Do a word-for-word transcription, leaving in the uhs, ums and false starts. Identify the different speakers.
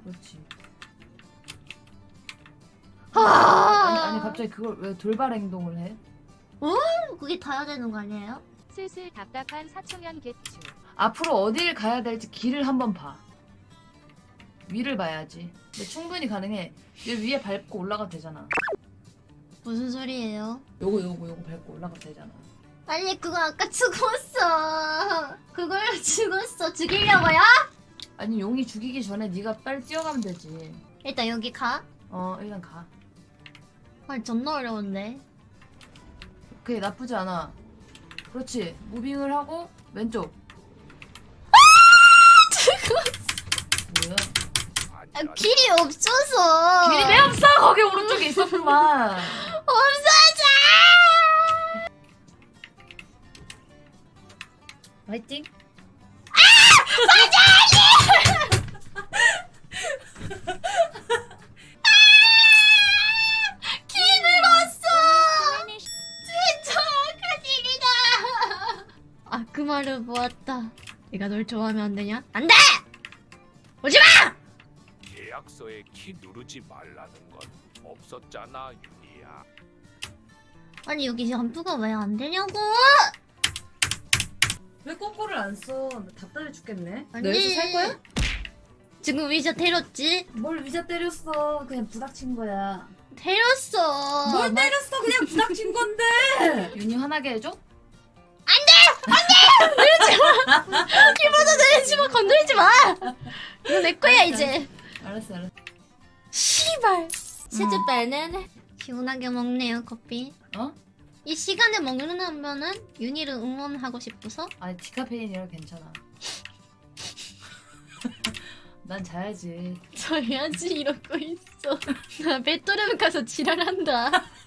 Speaker 1: 그렇지.
Speaker 2: 아
Speaker 1: 아니 아니 갑자기 그걸 왜 돌발 행동을 해?
Speaker 2: 그게 다 해야 되는 거 아니에요?
Speaker 3: 슬슬 답답한 사초면 개추.
Speaker 1: 앞으로 어딜 가야 될지 길을 한번 봐. 위를 봐야지. 근데 충분히 가능해. 여기 위에 밟고 올라가도 되잖아.
Speaker 2: 무슨 소리예요?
Speaker 1: 요거 요거 요거 밟고 올라가도 되잖아.
Speaker 2: 아니 그거 아까 죽었어. 그걸로 죽었어. 죽이려고요?
Speaker 1: 아니 용이 죽이기 전에 네가 빨리 뛰어가면 되지.
Speaker 2: 일단 여기 가.
Speaker 1: 어 일단 가.
Speaker 2: 아 존나 어려운데.
Speaker 1: 오케이 나쁘지 않아. 그렇지. 무빙을 하고 왼쪽. 뭐야?
Speaker 2: 아, 길이 없어서.
Speaker 1: 길이 왜 없어? 거기 오른쪽에 있었구만.
Speaker 2: 없어져.
Speaker 1: 화이팅.
Speaker 2: 진짜 큰일이다. 아, 그 말을 모았다. 내가 널 좋아하면 안 되냐? 안 돼! 오지 마!
Speaker 4: 계약서에 키 누르지 말라는 건 없었잖아, 윤희야.
Speaker 2: 아니 여기 점프가 왜 안 되냐고?
Speaker 1: 왜 꼬꼬를 안 써? 나 답답해 죽겠네.
Speaker 2: 아니.
Speaker 1: 너 여기서 살 거야?
Speaker 2: 지금 위자 때렸지?
Speaker 1: 뭘 위자 때렸어. 그냥 부닥친 거야.
Speaker 2: 때렸어.
Speaker 1: 뭘
Speaker 2: 막-
Speaker 1: 때렸어? 그냥 부닥친 건데. 윤희 화나게 해줘?
Speaker 2: 키보드 내리지 마, 건드리지 마. 이거 내 거야 이제.
Speaker 1: 알았어 알았어.
Speaker 2: 씨발. 치즈빨은 시원하게 먹네요 커피.
Speaker 1: 어?
Speaker 2: 이 시간에 먹는다면은 윤희를 응원하고 싶어서.
Speaker 1: 아니 디카페인이라 괜찮아. 난 자야지.
Speaker 2: 저야지 이러고 있어. 나 배터리 가서 지랄한다.